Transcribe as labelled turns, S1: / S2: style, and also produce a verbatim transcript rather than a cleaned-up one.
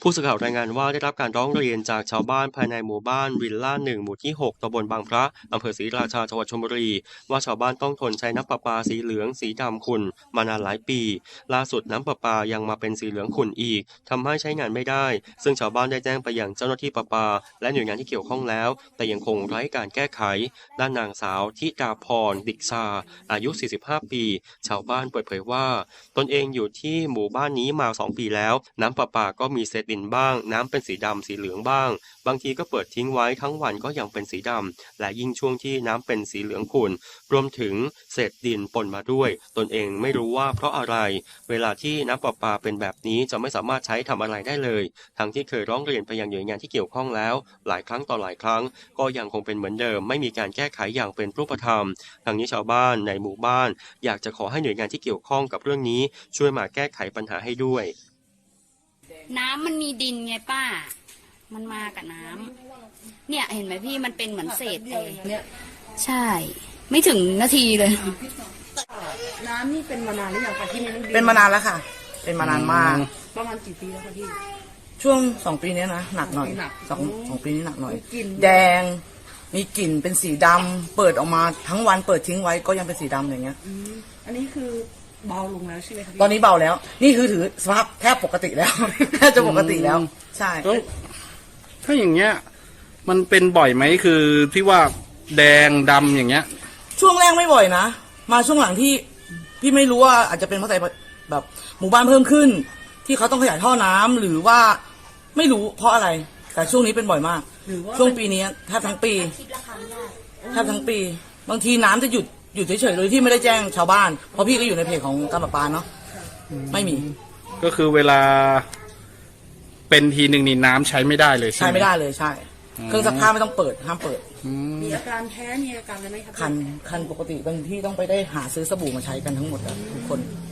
S1: ผู้สื่อข่าวรายงานว่าได้รับการร้องเรียนจากชาวบ้านภายในหมู่บ้านวิลล่าหนึ่งหมู่ที่หกตำบลบางพระอำเภอศรีราชาจังหวัดชลบุรีว่าชาวบ้านต้องทนใช้น้ำประปาสีเหลืองสีดำขุ่นมานานหลายปีล่าสุดน้ำประปายังมาเป็นสีเหลืองขุ่นอีกทำให้ใช้งานไม่ได้ซึ่งชาวบ้านได้แจ้งไปยังเจ้าหน้าที่ประปาและหน่วยงานที่เกี่ยวข้องแล้วแต่ยังคงไร้การแก้ไขด้านนางสาวธิดาพรดิกซาอายุสี่สิบห้าปีชาวบ้านเปิดเผยว่าตนเองอยู่ที่หมู่บ้านนี้มาสองปีแล้วน้ำประปาก็มีเศษดินบ้างน้ำเป็นสีดำสีเหลืองบ้างบางทีก็เปิดทิ้งไว้ทั้งวันก็ยังเป็นสีดำและยิ่งช่วงที่น้ำเป็นสีเหลืองขุ่นรวมถึงเศษดินปนมาด้วยตนเองไม่รู้ว่าเพราะอะไรเวลาที่น้ำประปาเป็นแบบนี้จะไม่สามารถใช้ทำอะไรได้เลยทั้งที่เคยร้องเรียนไปยังหน่วยงานที่เกี่ยวข้องแล้วหลายครั้งต่อหลายครั้งก็ยังคงเป็นเหมือนเดิมไม่มีการแก้ไขอย่างเป็นรูปธรรมทางนี้ชาวบ้านในหมู่บ้านอยากจะขอให้หน่วยงานที่เกี่ยวข้องกับเรื่องนี้ช่วยมาแก้ไขปัญหาให้ด้วย
S2: น้ำมันมีดินไงป้า มันมากับน้ำเนี่ยเห็นไหมพี่มันเป็นเหมือนเศษเองเนี่ยใช่ ไม่ถึงนาทีเลย
S3: น้ำนี่เป็นมานานหรือยังคะที่นี่
S4: เป็นมานานแล้วค่ะ เป็นมานานมาก
S3: ประมาณกี่ปีแล้วคะพี่
S4: ช่วงสองปีนี้นะหนักหน่อยสองสองปีนี้หนักหน่อยแดงมีกลิ่นเป็นสีดำเปิดออกมาทั้งวันเปิดทิ้งไว้ก็ยังเป็นสีดำอย่างเงี้ย
S3: อันนี้คือเบาลงแล้วใช่ไหมคะ
S4: ตอนนี้เบาแล้ว นี่คือถือสภาพแทบปกติแล้วแทบจะปกติแล้วใช่
S5: ถ้าอย่างเงี้ยมันเป็นบ่อยไหมคือที่ว่าแดงดำอย่างเงี้ย
S4: ช่วงแรกไม่บ่อยนะมาช่วงหลังที่พี่ไม่รู้ว่าอาจจะเป็นเพราะใส่แบบหมู่บ้านเพิ่มขึ้นที่เขาต้องขยายท่อน้ำหรือว่าไม่รู้เพราะอะไรแต่ช่วงนี้เป็นบ่อยมากช่วงปีนี้แทบทั้งปีแทบทั้งปีบางทีน้ำจะหยุดหยุดเฉยๆโดยที่ไม่ได้แจ้งชาวบ้านเพราะพี่ก็อยู่ในเพจของการประปาเนาะไม่มี
S5: ก็คือเวลาเป็นทีหนึ่งนี่น้ำใช้ไม่ได้เลยใช่
S4: ใช้ไม่ได้เลยใช่เครื่องซักผ้าไม่ต้องเปิดห้ามเปิด
S3: มีอาการแพ้มีอาการอะไรไหมครับ
S4: คันคันปกติบางที่ต้องไปได้หาซื้อสบู่มาใช้กันทั้งหมดทุกคน